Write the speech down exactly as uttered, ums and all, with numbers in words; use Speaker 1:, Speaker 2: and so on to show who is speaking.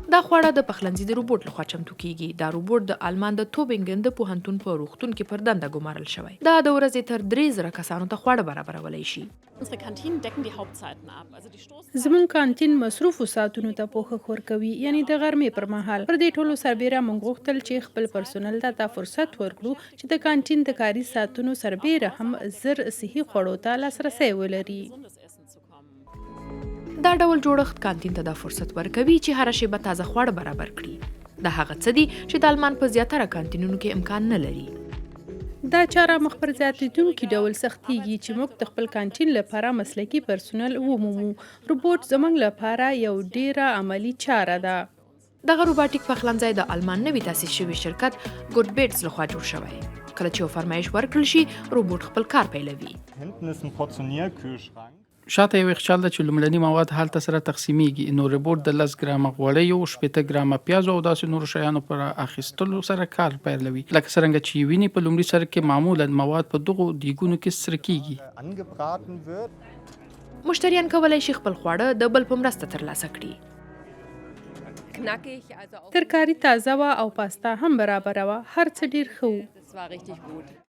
Speaker 1: دا خواړه د پخلنځي د روبوټ لخوا چمتو کیږي. دا روبوټ د آلمان د توبینګن د پوهنتون په روغتون کې پر دنده ګمارل شوی. دا د ورځې تر درې زره کسانو ته خواړه برابرولی شي.
Speaker 2: زمون کانتین مصروفو ساعتونو ته پوښښ ورکوي، یعنی د غرمې پر مهال. پر دې ټولو سربیره موږ غوښتل چې خپل پرسونل ته دا فرصت ورکړو چې د کانتین د کاري ساعتونو سربیره هم زر صحي خوړو ته لاسرسی ولري.
Speaker 1: دا ډول جوړښت کانتین ته دا فرصت ورکوي چې هره شیبه تازه خواړه برابر کړي. دا هغه څه دي چې د آلمان په زیاتره کانتینونو کې امکان نه لري.
Speaker 2: دا چاره مخ پر زیاتېدونکي ډول سختیږي چې موږ د خپل کانتین لپاره مسلکي پرسونل ومومو. روبوټ زموږ لپاره یو ډیره عملی چاره ده.
Speaker 1: دغه روباټیک پخلنځی د آلمان نوي تاسیس شوي شرکت ګوډ بیټس لخوا جوړ شوی. کله چې یو فرمایش ورکړل شي، روبوټ خپل کار پیلوي.
Speaker 3: شاته یو یخچال ده چې لومړني مواد هلته سره تقسیمیږي. نو روبوټ د لس ګرامه غوړیو، شپېته ګرامه پیازو او داسې نورو شیانو پر اخیستلو سره کار پیلوي. لکه څرنګه چې ویني په لومړي سر کې معمولا مواد په دغو دیګونو کې سره کیږي.
Speaker 1: مشتریان کولی شي خپل خواړه د بل په مرسته ترلاسه کړي.
Speaker 2: ترکاري تازه وه او پاستا هم برابره وه. هر څه ډیر ښه و.